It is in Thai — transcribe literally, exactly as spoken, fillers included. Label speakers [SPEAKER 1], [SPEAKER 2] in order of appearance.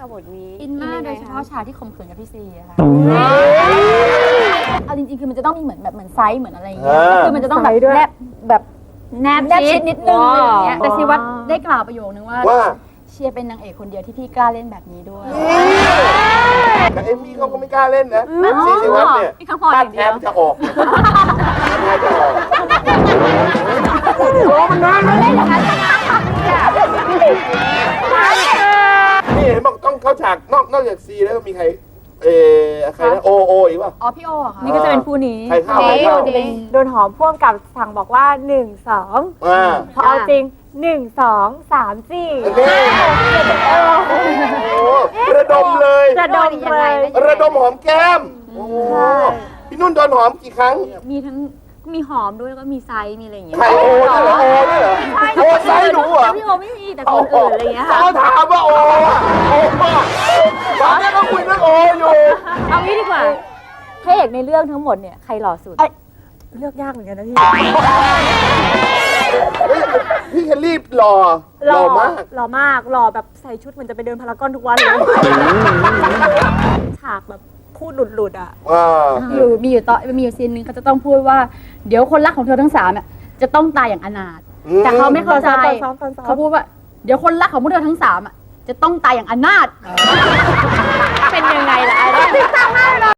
[SPEAKER 1] กับบทนี้
[SPEAKER 2] อินมาก
[SPEAKER 1] ง
[SPEAKER 2] โด
[SPEAKER 1] ไง
[SPEAKER 2] ยเฉ
[SPEAKER 1] คะ
[SPEAKER 2] พาะฉากที่ข่มขืนกับพี่ซีอะค่ะเอาจริงๆคือมันจะต้องมีเหมือนแบบเหมือนไซส์เหมือนอะไรอย่างเงี้ยคือมันจะต้องแบบแนบแบบแนบแนบชิดนิดนึงอะไรอย่างเงี้ยแต่ซีวัดได้กล่าวประโยคนึงว่า
[SPEAKER 3] ว่า
[SPEAKER 2] เชียร์เป็นนางเอกคนเดียวที่พี่กล้าเล่นแบบนี้ด้วย
[SPEAKER 3] แต่เอมมี่เขาก็ไม่กล้าเล่นนะซีซีวัตเนี่ย
[SPEAKER 2] พี่เขาพอ
[SPEAKER 3] ถ้า
[SPEAKER 2] อย่าง
[SPEAKER 3] แท
[SPEAKER 2] เดียว
[SPEAKER 3] มจะออกแทมจะออกโอ้มันนานเลยนี่เห็นบอกต้องเข้าฉากนอกนอกจากซีแล้วมีใครเออใครนะโอโออีกป่ะ
[SPEAKER 2] อ๋อพี่โอเหรอค่ะ
[SPEAKER 4] นี่ก็จะเป็นคู่นี้
[SPEAKER 3] ใครเข้าใครเข้า
[SPEAKER 4] โดนหอมพ่วงกับสั่งบอกว่าหนึ่งสอง
[SPEAKER 3] อ่า
[SPEAKER 4] พอเอาจริงหนึ่งสองสามสี่
[SPEAKER 3] นี่โอ้ระดมเลย
[SPEAKER 4] จะดมเลย
[SPEAKER 3] ระดมหอมแก้มโอ้พี่นุ่นโดนหอมกี่ครั้ง
[SPEAKER 4] มีทั้งมีหอมด้วยแล้วก็มีไซส์มีอะไรอย่างเงี้ย
[SPEAKER 3] ใครโอ้ด้วยเหรอโอ้ด้วยเหรอโอ้ไซส์หนูเหรอ
[SPEAKER 4] พี่โอไม่มีแต่คนอื่นอะไรอย่างเงี้ยค่ะ
[SPEAKER 3] เขาถามว่าโอ้อะโอ้อะตอนนี้ก็คุยเรื่องโอ้อยู่
[SPEAKER 4] เอางี้ดีกว่า
[SPEAKER 2] พระเอกในเรื่องทั้งหมดเนี่ยใครหล่อสุด
[SPEAKER 4] เลือกยากเหมือนกันนะพี่
[SPEAKER 3] เฮ้ยพี่เคลลี่หล่อหล่อมาก
[SPEAKER 4] หล่อมากหล่อแบบใส่ชุดเหมือนจะไปเดินพารากอนทุกวันเลยฉากแบบพูดหลุดๆอ่ะ
[SPEAKER 3] อ่า
[SPEAKER 2] อยู่มีอยู่ตอนมีอยู่ซีนหนึงเขาจะต้องพูดว่าเดี๋ยวคนรักของเธอทั้งสามเนี่ยจะต้องตายอย่างอนาถแต่เขาไม่เข้าใจ
[SPEAKER 4] ตอนซ้อมตอนซ้อม
[SPEAKER 2] เขาพูดว่าเดี๋ยวคนรักของพวกเธอทั้งสามอ่ะจะต้องตายอย่างอนาถเป็นยังไงล่ะ